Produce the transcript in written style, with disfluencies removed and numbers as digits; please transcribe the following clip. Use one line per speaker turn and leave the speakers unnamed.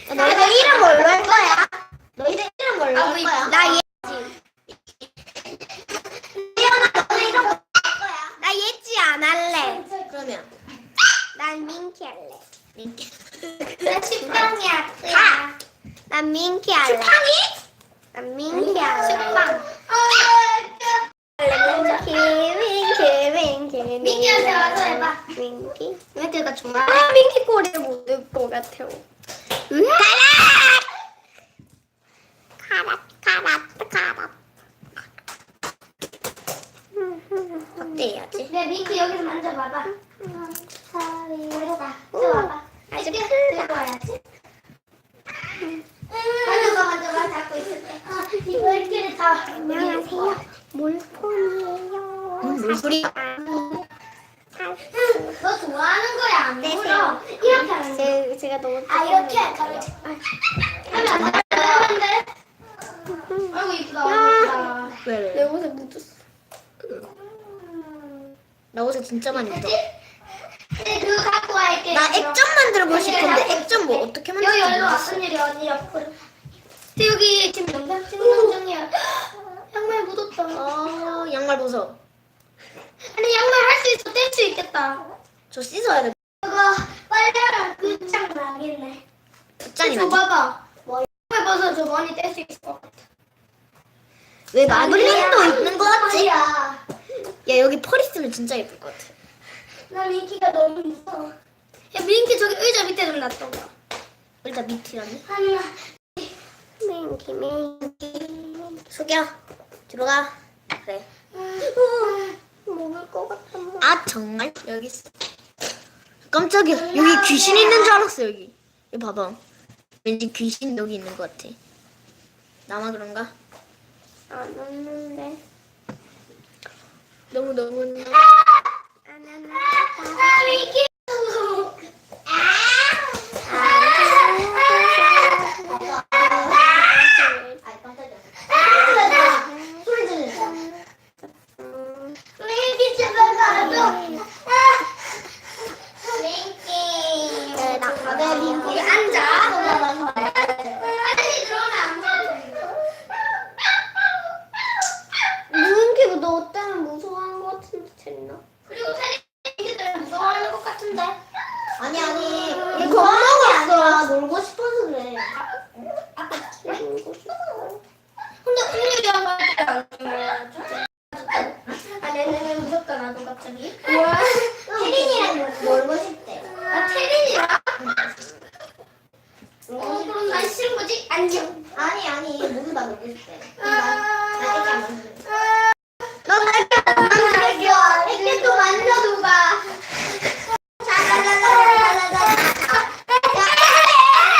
너희들 이름 뭘로 할 거야? 너희들 이름 뭘로 할 거야?
나 얘.
태연아, 너희 이름 뭘로 할 거야?
나 예지 안 할래.
그러면
난 민키 할래.
민키.
나 식빵이야. 난 민키 할래.
식빵이?
난 민키 할래.
식빵.
민키.
민키한테 와서 해봐.
민키.
민키 나 좋아해.
아, 민키 꼬리를 못 넣을 것 같아. 카라.
어때야지?
네, 민키 여기서 만져봐봐.
우리가
와봐.
아직
들고 와야지. 만져봐. 잡고 있을 때. 이거 이렇게 다.
안녕하세요.
몰폰이에요.
뭘 소리야?
너 좋아하는 거야, 안 물어? 이렇게 하는 거.
제가 너무
이렇게 할까? 하면 안 돼. 아이고, 이쁘다.
왜?
내 옷에 묻었어.
나 옷에 진짜 많이 묻어.
네, 그거 갖고 갈게.
나 액젓 만들어보고 싶은데 액젓 뭐 어떻게
여기
만들지
얼른
모르겠어.
왔은 일이 언니 옆으로. 근데 여기 지금 영상 찍는 중이야. 양말 묻었다.
양말 벗어.
아니 양말 할 수 있어. 뗄 수 있겠다.
저 씻어야 돼.
그거 빨래랑 끝장 나겠네.
붓장이
줘
나지.
봐봐. 양말 벗어줘. 머리 뗄 수 있을 것 같아.
왜 마블링도 있는 거 같지?
야,
야 여기 펄 있으면 진짜 예쁠 것 같아.
나 민키가 너무 무서워. 야 민키 저기 의자 밑에 좀 놔둬봐.
일단 밑이라네.
하나.
민키. 숙여. 들어가. 그래.
먹을 것 같아.
아 정말? 여기 있어. 깜짝이야. 여기 귀신 있는 줄 알았어 여기. 여기 봐봐. 왠지 귀신 여기 있는 것 같아. 나만 그런가?
안 왔는데.
너무.
안 왔는데. 민키.
소리 지르.
민키 집에 가줘. 민키. 네, 민키 앉아. 아저씨 들어오면 안 돼. 민키가 너 때문에 무서워하는 것 같은데 재밌나? 그리고 민키 때문에 무서워하는 것 같은데.
아니.
얘
겁먹었어. 놀고 싶어서 그래.
놀고 싶어. 근데 오늘이랑 할때 안 좋아해. 아, 내내 무섭다 나도 갑자기. 뭐야?
혜린이랑 놀고 싶대.
아, 태린이랑? 그럼 난 싫은 거지? 안녕.
아니 모두 다 놀고 싶대. 나 애기 안 만들어.